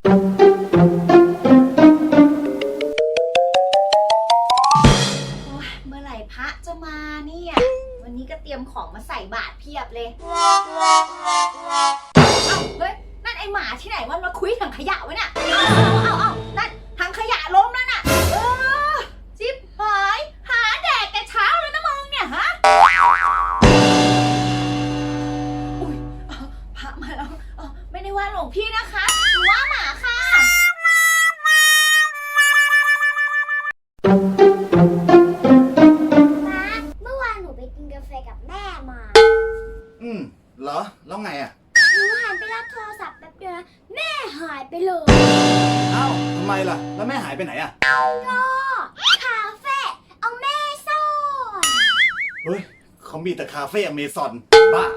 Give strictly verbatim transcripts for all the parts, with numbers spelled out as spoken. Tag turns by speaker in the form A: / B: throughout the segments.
A: โอ้ยเมื่อไหร่พระจะมาเนี่ยวันนี้ก็เตรียมของมาใส่บาตรเพียบเลยเอ้าเฮ้ยนั่นไอหมาที่ไหนมันมาคุยถังขยะวะเนี่ยเอาเอาเอานั่นถังขยะล้มแล้วน่ะเออจิ๊บหายหาแดกแต่เช้าเลยนะมึงเนี่ยฮะอุ้ยพระมาแล้วไม่ได้ว่าหลวงพี่นะคะหนูว่าหมาค่ะ
B: เมื่อวานหนูไปกินกาแฟกับแม่มา
C: อืมเหรอแล้วไงอ่ะ
B: หนูหันไปรับโทรศัพท์แป๊บเดียวนะแม่หายไปเลย
C: เอ้าทำไมล่ะแล้วแม่หายไปไหนอ่ะ
B: ก็คาเฟ่เอาแม่ซ่อน
C: เฮ้ยเขามีแต่คาเฟ่อเมซอนบ้า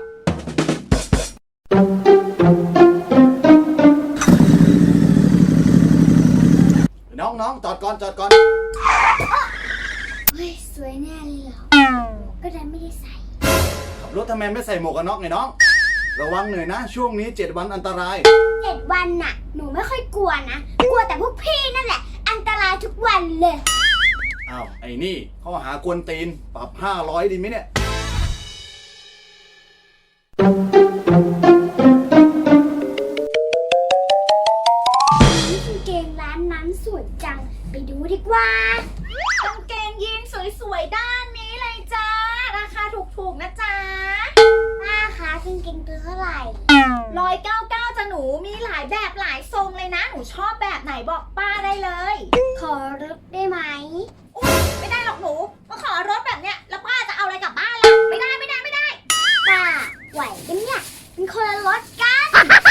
C: น้องน้องจอดก่อนจอดก่อน
B: เฮ้ยสวยแน่เลยเหรอก็ได้ไม่ได้ใส่
C: ขับรถทำไมไม่ใส่หมวกกันน็อกไงน้องระวังหน่อยนะช่วงนี้เจ็ดวันอันตราย
B: เจ็ดวันน่ะหนูไม่ค่อยกลัวนะกลัวแต่พวกพี่นั่นแหละอันตรายทุกวันเลย
C: อ้าวไอ้นี่ข้อหากวนตีนปรับห้าร้อยดีไหมเนี่ย
B: กางเกงร้านนั้นสวยจังไปดูดีกว่าก
A: างเกงยีนสวยๆด้านนี้เลยจ้าราคาถูกๆนะจ๊ะ
B: ป้าคะกางเกงตัวเท่าไหร่
A: ร้อยเก้าเก้าจ้ะหนูมีหลายแบบหลายทรงเลยนะหนูชอบแบบไหนบอกป้าได้เลย
B: ขอรถได้ไหม
A: อุ๊ยไม่ได้หรอกหนูมาขอรถแบบเนี้ยแล้วป้าจะเอาอะไรกลับบ้านล่ะไม่ได้ไม่ได้ไม่ได้
B: ป้าไหวกันเนี่ยเป็นคนละรถกัน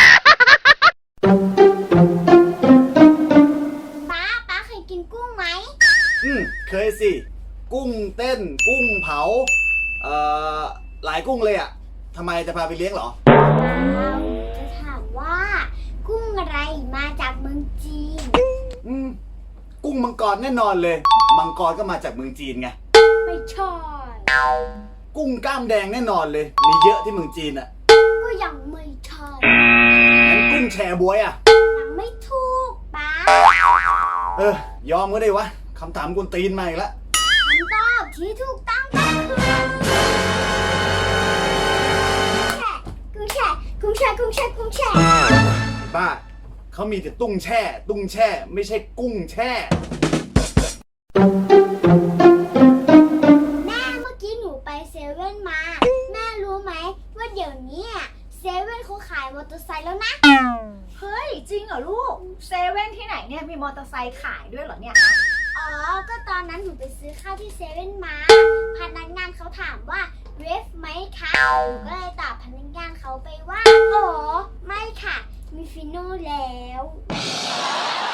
B: ป้าป้าเคยกินกุ้งไหม
C: อืมเคยสิกุ้งเต้นกุ้งเผาเอ่อหลายกุ้งเลยอ่ะทำไมจะพาไปเลี้ยงเหรอ
B: เปล่าจะถามว่ากุ้งอะไรมาจากเมืองจีน
C: อืมกุ้งมังกรแน่นอนเลยมังกรก็มาจากเมืองจีนไง
B: ไม่ใช่
C: กุ้งกล้ามแดงแน่นอนเลยมีเยอะที่เมืองจีนอ่ะ
B: ก็ยังไม่ใช่
C: งั้นกุ้งแชบวยอ่ะ
B: ยังไม่ถูกป้า
C: เออยอมก็ได้วะคำถามกวนตีนมาอีกแล้ว
B: คำตอบที่ถูกต้องก็คือกุ้งแช่กุ้งแช่กุ้งแช่กุ้งแช่
C: บ้าเขามีแต่ตุ้งแช่ตุ้งแช่ไม่ใช่กุ้งแช่
B: แม่เมื่อกี้หนูไปเซเว่นมาแม่รู้ไหมว่าเดี๋ยวนี้เซเว่นเขาขายมอเตอร์ไซค์แล้วนะ
A: เฮ้ยจริงเหรอลูกเซเว่นที่ไหนเนี่ยมีมอเตอร์ไซค์ขายด้วยเหรอเนี่ย
B: อ๋อก็ตอนนั้นหนูไปซื้อข้าวที่เซเว่นมาพนักงานเขาถามว่าเวฟไหมคะหนูก็เลยตอบพนักงานเขาไปว่าอ๋อไม่ค่ะมีฟิโน่แล้ว